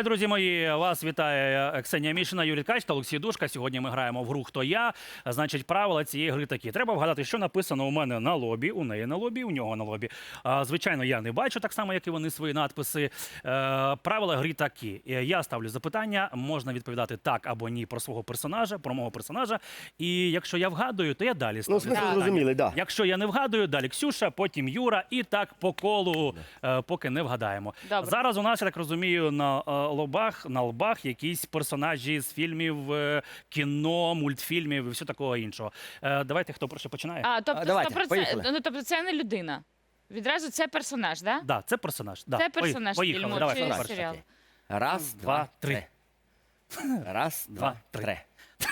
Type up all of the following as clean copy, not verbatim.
Вітаю, друзі мої! Вас вітає Ксенія Мішина, Юрій Ткач та Олексій Душка. Сьогодні ми граємо в гру «Хто я?». Значить, правила цієї гри такі. Треба вгадати, що написано у мене на лобі, у неї на лобі, у нього на лобі. Звичайно, я не бачу, так само, як і вони свої надписи. Правила гри такі. Я ставлю запитання, можна відповідати так або ні про свого персонажа, про мого персонажа. І якщо я вгадую, то я далі ставлю запитання. Зрозуміли, да. Якщо я не вгадую, далі Ксюша, потім Юра і так по колу, поки не вгадаємо. Добре. Зараз у нас, я так розумію, на лобах якісь персонажі з фільмів, кіно, мультфільмів і все такого іншого. Давайте, хто перше починає? Тобто, давайте, 100%, поїхали. ну, тобто це не людина. Відразу це персонаж, так? Да, це персонаж. Да. Це персонаж Поїхали, фільму давай, чи перше. серіалу? Раз, два, три. Раз, два, три. три.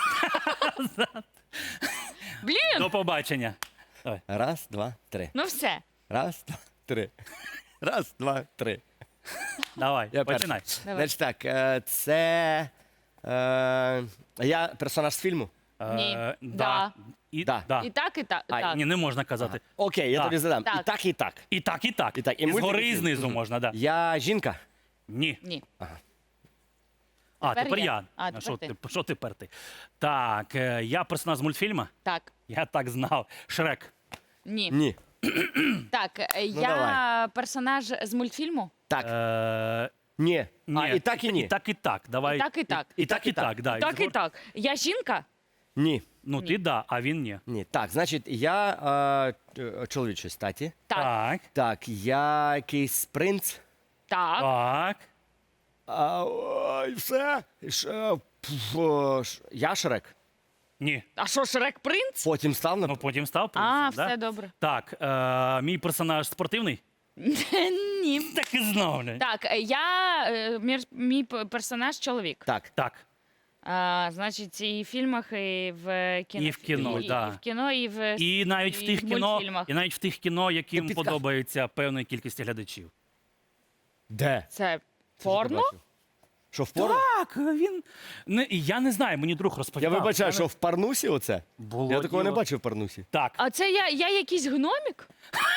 Блін, До побачення. Давай. Раз, два, три. ну все. Раз, два, три. Раз, два, три. Давай, Я починай. перший. Давай. Значить так, це... Я персонаж з фільму? Ні. Да. І, Да. да. І так, і так. так. Ні, не можна казати. Окей, я Так. тобі задам. Так. І так, і так. І так, і так. І так, і І згори, і мультики. знизу можна, да. Я жінка? Ні. Ні. Тепер Тепер я. я. А, Що тепер ти? Що тепер ти? Так, я персонаж з мультфільму? Так. Я так знав. Шрек. Ні. Ні. Так, я давай. персонаж з мультфільму? Так. Ні. Ні. І так, і ні. І так, і так. Давай. І так, і так. І так, і так. Да. Так, і так. Я жінка? Ні. Ну, ти да, а він ні. Ні. Так, значить, я чоловічої статі. Так. Так. Так, я якийсь принц. Так. Так. Ой, все. Я Шрек. Ні. А що, Шрек принц? Потім став на... Ну, потім став принцем, да? Все добре. Так, мій персонаж спортивний? Ні. Так і знав. бля. Так, мій персонаж чоловік. Так. Так. Значить, і в фільмах, і в кіно. І в кіно, да. І в кіно, і в І навіть в тих кіно, мультфільмах. і навіть в тих кіно, яким підказ. подобається певної кількості глядачів. Де? Це порно? Що, в порно? Так, він я не знаю, мені друг Я розповідав. вибачаю, що в Парнусі оце? Було Я такого не діло. бачив в Парнусі. Так. А це я якийсь гномік?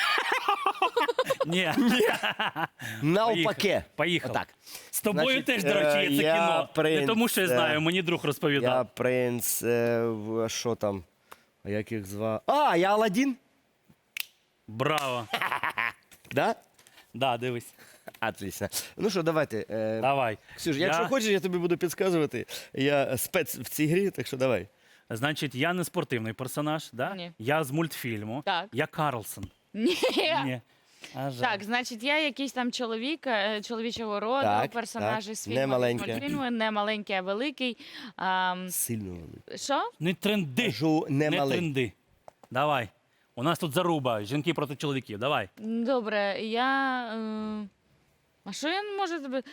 Ні. Навпаки. Поїхав. Отак. З тобою Значить, теж, до речі, є це я кіно. Не принц, тому, що я знаю, мені друг Я розповідав. принц, що там? А як їх звав? Я Аладдін? Браво. Да? Да, дивись. Отлично. Ну що, давайте. Давай. Ксюш, якщо хочеш, я тобі буду підказувати. Я спец в цій грі, так що давай. Значить, я не спортивний персонаж, да? Ні. Я з мультфільму. Так. Я Карлсон. Ні. Ні. А жаль. Так, значить, я якийсь там чоловік, чоловічого роду, Так, персонаж так. із Не фільму, маленьке. мультфільму, не маленький, а великий. Сильно великий. Що? Не тренди. Кажу, не Не малий. тренди. Давай. У нас тут заруба. Жінки проти чоловіків. Давай. Добре, а що я можу тобі...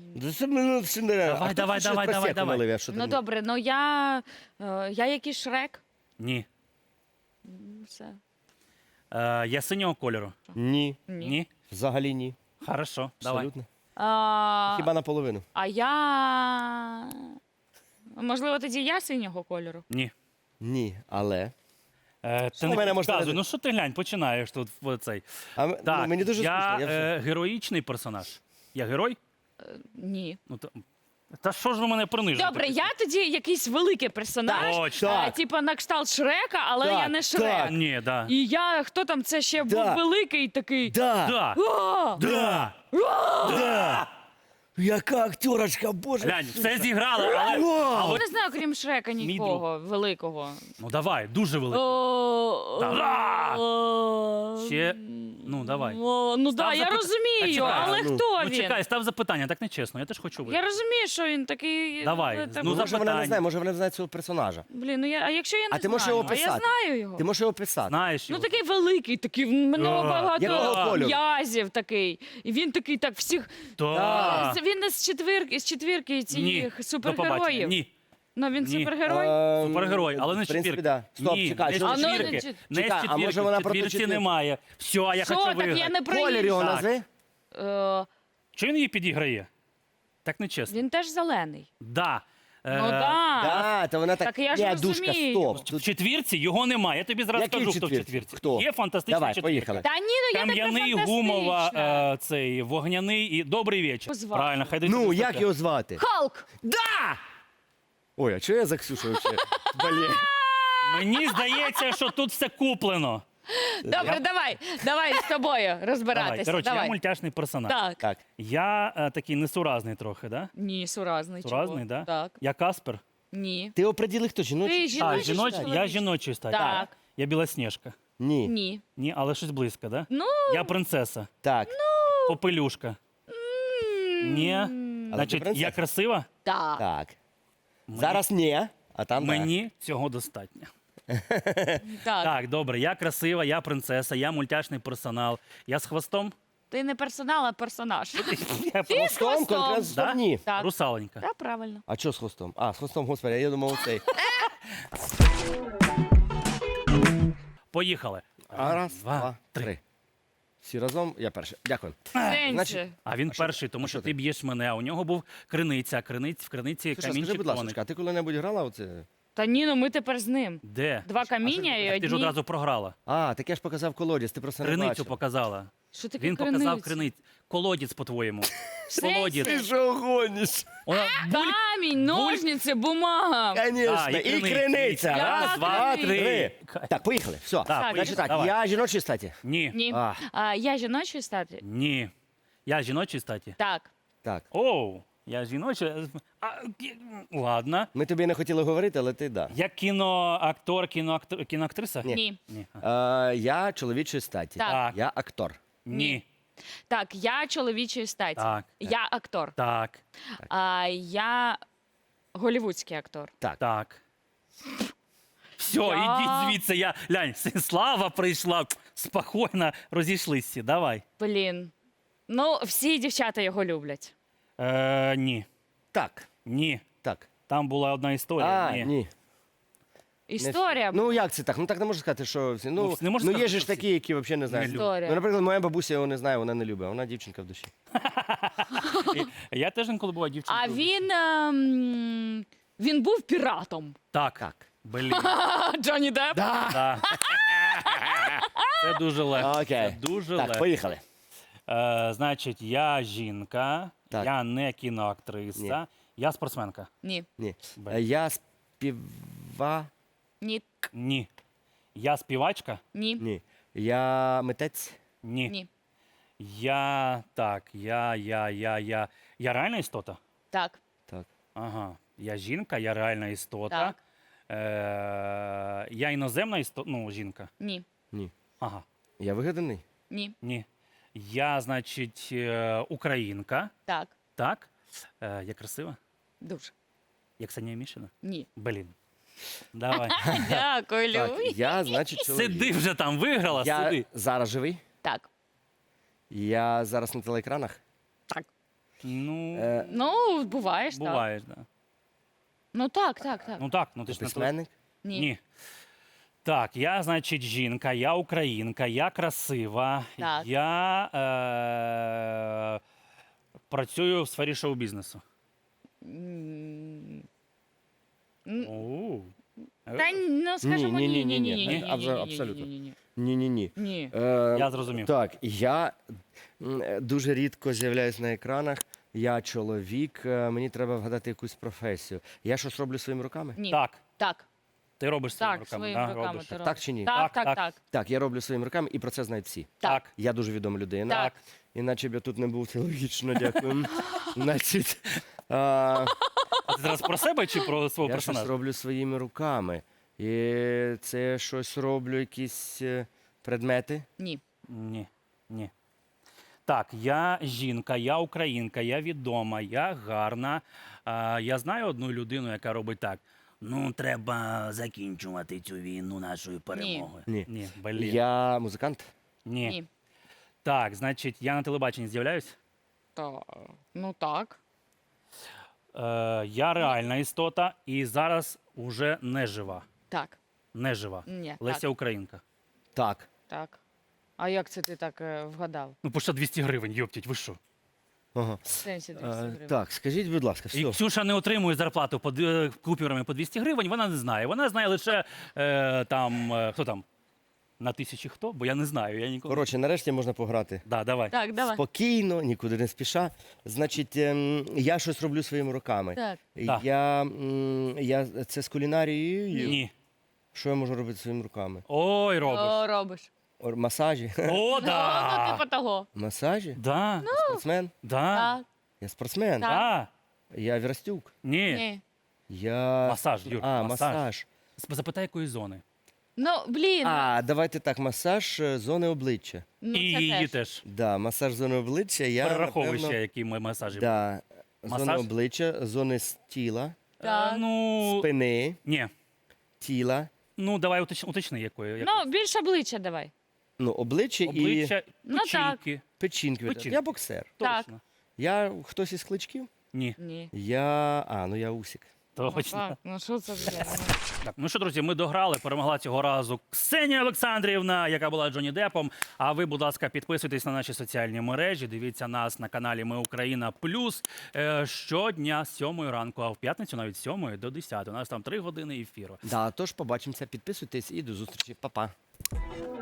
Давай. Ну добре, ну я якийсь Шрек. Ні. Все. Я синього кольору. Ні, Ні. взагалі ні. Хорошо. Давай. Абсолютно. А, Хіба наполовину. а я... Можливо, тоді я синього кольору? Ні. Ні, але. Ти Що не в мене можна підказуй. не- Ну що ти глянь, починаєш тут в цей. Так, Так, мені дуже я скучно. вже- героїчний персонаж. Я герой? Ні. Ну, та що ж ви мене принижуєте? Добре, я тоді якийсь великий персонаж. Точно. Так. Типа на кшталт Шрека, але Так, я не Шрек. так. Ні, да. І я, хто там це ще був Да. великий такий. Да, Да. А! Да. да. Яка актерочка, боже. Глянь, все зіграли, але... Вау! Я не знаю, крім Шрека, нікого великого. Ну давай, дуже великий. Та-ра! Ще, ну давай. Ну так, я запит- розумію, Чекай, але ну, хто Ну він? чекай, став запитання, так нечесно, я теж хочу Я виграти. розумію, що він такий. Давай, так, ну, Може вона запитання. не знає, може вона не знає цього персонажа. Блін, а якщо я не А ти знаю? можеш його А я писати. знаю його. Ти можеш його писати. Знаєш Ну його? такий великий, такий в мене багато Якого кольору? м'язів такий. І він такий так всіх. Так. Він не з четвірки Ні, цих до супергероїв. побачення. Ні, Ну він Ні. супергерой. Супергерой, але не з В принципі, четвірки. да. Стоп, Ні, чекай, не що з А, ну, четвірки. не Не з чекай, а четвірки, може вона в про ту четвірці четвірку? немає. Все, я Що хочу так, виграти. я не про Колір її. його Так. назви? Е, Чого він її підіграє? Так нечесно. Він теж зелений. Да. Ну так. Да, то вона так. Так я ж Ні, Душка, розумію. стоп. В четвірці його немає. Я тобі зразу Який кажу, в хто в четвірці? четвірці. Хто? Є фантастична Давай, четвірка. поїхали. Та ні, ну я не про Кам'яний, фантастичне. гумова, цей вогняний і добрий вечір. Позвати. Правильно, хай десь Ну, щось як таке. його звати? Халк! Да! Ой, а чого я за Ксюшу вообще? Блін. Мені здається, що тут все куплено. Добре, давай з тобою Давай. розбиратися. Коротше, я Давай. мультяшний персонаж. Так. Так. Я такий несуразний трохи, да? Ні, суразний. Суразний, чого? да? Так. Я Каспер. Ні. Ти оприділи, хто жіночий? Ти жіночий чи Я чоловічий? жіночий статі. Так. Я Білосніжка. Ні. Ні. Ні, але щось близько, да? Ну, Я принцеса. Так. Попелюшка. Ні. Але ти Значить, принцеса. я красива? так. Так. Зараз ні, а там да. Мені цього достатньо. Так. Так, добре, я красива, я принцеса, я мультяшний персонал. Я з хвостом? Ти не персонал, а персонаж. Я Ти з Хвостом, хвостом. конкретно з Да? ні. Так. русаленька. Так, правильно. А що з хвостом? А, з хвостом, господи, я думав оцей. Поїхали. Раз, два, три. Всі разом, я перший. Дякую. Сенсі. значить, А він перший, тому що ти б'єш мене, а у нього був криниця. В криниці Слушай, скажи, камінчик будь тоник. ласка, а ти коли-небудь грала оце? Та ні, ну ми тепер з ним. Де? Два каміння і Так ти ж одні. одразу програла. А, так я ж показав колодязь, ти просто не Криницю бачив. показала. Що таке Він показав криниця? криницю. Колодязь, по-твоєму. Сенсі? Колодязь. Ти що гониш? Вона Камінь, ножниці, бумага. Конечно, А, і і криниця. Я Раз, два, криниця. три. Так, поїхали. Все. Так, Так, Значить так, давай. я жіночий статі. Ні. Ні. А. Я жіночої статі? Ні. Я жіночий статі. Так. Так. Оу, я жіночий. Ладно. Ми тобі не хотіли говорити, але ти да. Я кіноактор, кіноактриса? Ні. Ні. Ні. Я чоловічої статі. Так. Я актор. Ні. Так, я чоловічої статі. Так. Я актор. Так. Я голівудський актор. Так. Так. Все, Я- ідіть звідси. Я глянь, Слава прийшла. Спокійно розійшлися. Давай. Блін. Ну, всі дівчата його люблять. Ні. Так. Ні. Так. Там була одна історія. А, ні. ні. Історія. Ну як це так? Ну так не можна сказати, що всі. Ну, не можна є сказати, ж що такі, які взагалі не знають. Не люблять. Історія. Ну, наприклад, моя бабуся його не знає, вона не любить, а вона дівчинка в душі. Я теж інколи була дівчинкою. А він був піратом. Так. Так. Блін. Джонні Депп? Да. Це дуже легко. Окей. Це дуже Так, легко. поїхали. Значить, я жінка, Так. я не кіноактриса, я спортсменка. Ні. Ні. Б. Я співа. Ні. Ні. Я співачка? Ні. Ні. Я митець. Ні. Ні. Я реальна істота? Так. Так. Ага. Я жінка, я реальна істота. Так. Я іноземна істота, ну, жінка. Ні. Ні. Ага. Я вигаданий. Ні. Ні. Я, значить, українка. Так. Так. Я красива? Дуже. Я Ксенія Мішина? Ні. Блін. Давай. Дякую, Так, Люй. я, значить, чоловік. Сиди вже там, виграла, Я сиди. зараз живий. Так. Я зараз на телеекранах. Так. Ну, Ну, буваєш, так. буваєш, да. Ну так, так, так. Ну так, ну ти ж на Письменник. Ні. Ні. Так, я, значить, жінка, я українка, я красива, Так. я працюю в сфері шоу-бізнесу. М, Оу. Та ну скажімо Ні, ні, ні, ні, ні, ні, ні, абсолютно. ні. Ні-ні-ні. Ні. Я зрозумів. Так, я дуже рідко з'являюсь на екранах. Я чоловік, мені треба вгадати якусь професію. Я щось роблю своїми руками? Ні. Так, Так. ти робиш своїми Так, руками. своїми да, руками робиш. ти робиш. Так чи ні? Так, Так, так, так. так. Так, я роблю своїми руками і про це знають всі. Так. Я дуже відома людина. Так. Іначе б я тут не був, це логічно, дякую. Значить, А ти зараз про себе чи про свого я щось персонажа? роблю своїми руками. І це щось роблю, якісь предмети. Ні. Ні. Ні. Так, я жінка, я українка, я відома, я гарна. Я знаю одну людину, яка робить так. Ну, треба закінчувати цю війну нашою перемогою. Ні. Ні, блін. Я музикант. Ні. Ні. Так, значить, я на телебаченні з'являюсь? Ну так. Я реальна істота і зараз уже не жива. Так. Не жива. Ні. Леся Так. Українка. Так. Так. А як це ти так вгадав? Ну, по що 200 гривень, йоптять, ви що? Ага. В сенсі 200 гривень. Так, скажіть, будь ласка, І все. Ксюша не отримує зарплату купюрами по 200 гривень, вона не знає. Вона знає лише хто там? На тисячі хто? Бо я не знаю. Я ніколи. Коротше, нарешті можна пограти. Да, давай. Так, давай. Спокійно, нікуди не спіша. Значить, я щось роблю своїми руками. Так. Так. Я це з кулінарією. Ні. Що я можу робити своїми руками? Ой, робиш. О, робиш. Масажі. О, Ну, да. типу того. Масажі? Да. Спортсмен? Да. Так. Я спортсмен. Так. Да. Я Вірастюк. Ні. Ні. Я... Масаж, Юр, масаж. масаж. Запитай, якої зони. Ну, блін. Давайте так, масаж зони обличчя. Ну, І це її теж. теж. Да, масаж зони обличчя. Я, Перераховуй напевно, ще, які ми масажі. Да, зони Масаж? обличчя, зони тіла, Так. Ну, спини, ні. тіла. Ну, давай уточни, якої. Ну, більше обличчя давай. Ну, обличчя, і Обличчя, Ну, так. печінки. печінки. Печінки. Я боксер. Так. Точно. Я хтось із кличків? Ні, Ні. Я Усік. точно. Так, ну що це вже? Так, ну що, друзі, ми дограли. Перемогла цього разу Ксенія Олександрівна, яка була Джонні Депом. А ви, будь ласка, підписуйтесь на наші соціальні мережі. Дивіться нас на каналі Ми Україна Плюс щодня з 7 ранку, а в п'ятницю навіть з 7 до 10. У нас там 3 години ефіру. Да, тож побачимося, підписуйтесь і до зустрічі. Па-па.